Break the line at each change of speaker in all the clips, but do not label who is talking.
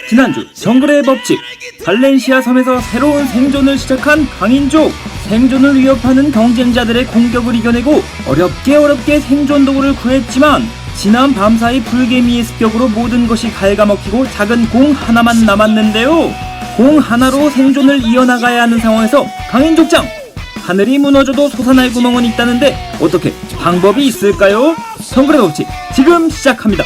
지난주 정글의 법칙, 발렌시아 섬에서 새로운 생존을 시작한 강인족. 생존을 위협하는 경쟁자들의 공격을 이겨내고 어렵게 생존 도구를 구했지만 지난 밤사이 불개미의 습격으로 모든 것이 갉아먹히고 작은 공 하나만 남았는데요. 공 하나로 생존을 이어나가야 하는 상황에서 강인족장! 하늘이 무너져도 솟아날 구멍은 있다는데 어떻게 방법이 있을까요? 정글의 법칙 지금 시작합니다.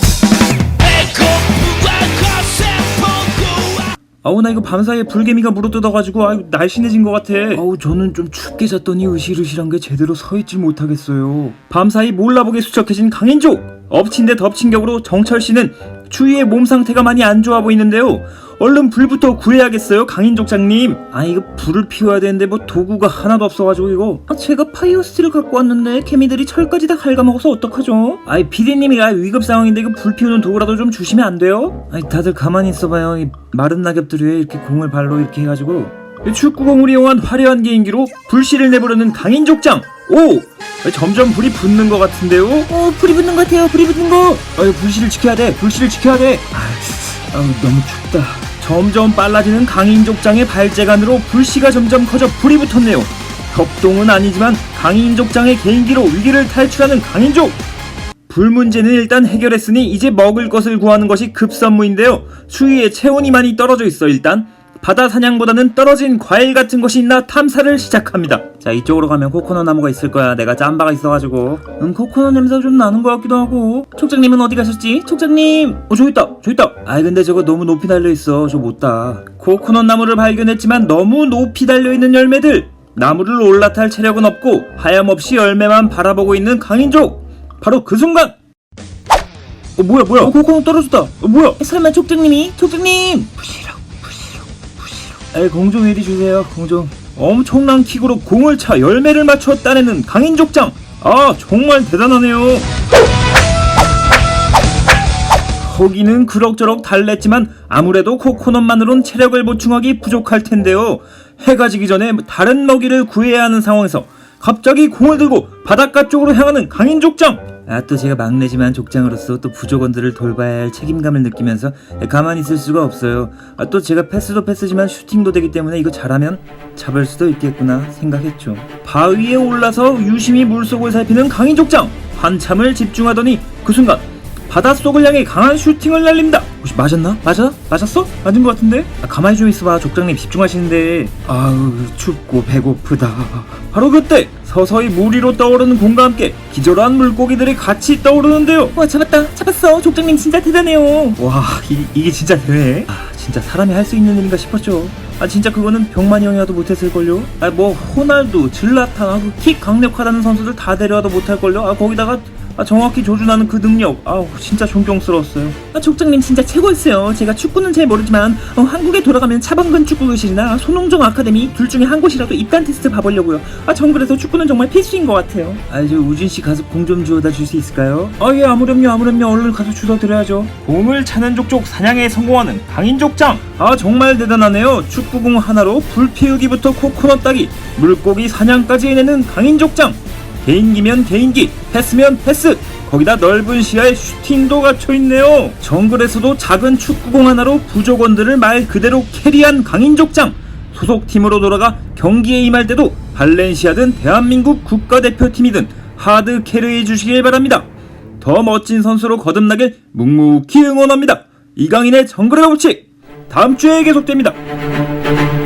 아우 나 이거 밤사이에 불개미가 물어뜯어가지고 아유 날씬해진 것 같아. 아우 저는 좀 춥게 잤더니 으실으실한 게 제대로 서있질 못하겠어요. 밤사이 몰라보게 수척해진 강인족. 엎친 데 덮친 격으로 정철씨는 추위에 몸 상태가 많이 안 좋아 보이는데요. 얼른 불부터 구해야겠어요 강인족장님. 아 이거 불을 피워야 되는데 뭐 도구가 하나도 없어가지고 이거 제가 파이어스틸을 갖고 왔는데 개미들이 철까지 다 갉아먹어서 어떡하죠? 아이 피디님이 위급 상황인데 이거 불 피우는 도구라도 좀 주시면 안 돼요? 아이 다들 가만히 있어봐요. 이 마른 낙엽들 위에 이렇게 공을 발로 이렇게 해가지고 축구공을 이용한 화려한 개인기로 불씨를 내부르는 강인족장. 오! 점점 불이 붙는 것 같은데요? 불이 붙는 것 같아요. 불이 붙는 거. 불씨를 지켜야 돼. 불씨를 지켜야 돼. 너무 춥다. 점점 빨라지는 강인족장의 발재간으로 불씨가 점점 커져 불이 붙었네요. 협동은 아니지만 강인족장의 개인기로 위기를 탈출하는 강인족. 불 문제는 일단 해결했으니 이제 먹을 것을 구하는 것이 급선무인데요. 추위에 체온이 많이 떨어져 있어. 일단 바다 사냥보다는 떨어진 과일 같은 것이 있나 탐사를 시작합니다. 자 이쪽으로 가면 코코넛 나무가 있을 거야. 내가 짬바가 있어가지고 코코넛 냄새가 좀 나는 것 같기도 하고. 촉장님은 어디 가셨지? 촉장님 저기 있다. 아이 근데 저거 너무 높이 달려있어. 저 못 따. 코코넛 나무를 발견했지만 너무 높이 달려있는 열매들. 나무를 올라탈 체력은 없고 하염없이 열매만 바라보고 있는 강인족. 바로 그 순간 뭐야 코코넛 떨어졌다. 뭐야 설마 촉장님 부시럭 공 좀 이리 주세요. 공 좀. 엄청난 킥으로 공을 차 열매를 맞춰 따내는 강인족장. 아 정말 대단하네요. 거기는 그럭저럭 달랬지만 아무래도 코코넛만으론 체력을 보충하기 부족할 텐데요. 해가 지기 전에 다른 먹이를 구해야 하는 상황에서 갑자기 공을 들고 바닷가 쪽으로 향하는 강인족장. 또 제가 막내지만 족장으로서 또 부족원들을 돌봐야 할 책임감을 느끼면서 가만히 있을 수가 없어요. 또 제가 패스도 패스지만 슈팅도 되기 때문에 이거 잘하면 잡을 수도 있겠구나 생각했죠. 바위에 올라서 유심히 물속을 살피는 강인족장. 한참을 집중하더니 그 순간 바닷속을 향해 강한 슈팅을 날립니다. 혹시 맞았나? 맞았어? 맞은 것 같은데? 가만히 좀 있어봐. 족장님 집중하시는데. 아우 춥고 배고프다. 바로 그때 서서히 물 위로 떠오르는 공과 함께 기절한 물고기들이 같이 떠오르는데요. 와 잡았어. 족장님 진짜 대단해요. 와 이게 진짜 되네. 진짜 사람이 할 수 있는 일인가 싶었죠. 진짜 그거는 병만이 형이라도 못했을걸요. 뭐 호날두, 질라탄, 킥 강력하다는 선수들 다 데려와도 못할걸요. 거기다가 정확히 조준하는 그 능력. 진짜 존경스러웠어요. 족장님 진짜 최고였어요. 제가 축구는 잘 모르지만 한국에 돌아가면 차범근 축구교실이나 손흥정 아카데미 둘 중에 한 곳이라도 입단 테스트 봐보려고요. 정글에서 축구는 정말 필수인 것 같아요. 저 우진씨 가서 공 좀 주워다 줄 수 있을까요? 예 아무렴요. 얼른 가서 주워 드려야죠. 공을 차는 족족 사냥에 성공하는 강인족장. 정말 대단하네요. 축구공 하나로 불 피우기부터 코코넛 따기, 물고기 사냥까지 해내는 강인족장. 개인기면 개인기, 패스면 패스, 거기다 넓은 시야에 슈팅도 갇혀있네요. 정글에서도 작은 축구공 하나로 부족원들을 말 그대로 캐리한 강인족장. 소속팀으로 돌아가 경기에 임할 때도 발렌시아든 대한민국 국가대표팀이든 하드 캐리해 주시길 바랍니다. 더 멋진 선수로 거듭나길 묵묵히 응원합니다. 이강인의 정글의 법칙 다음주에 계속됩니다.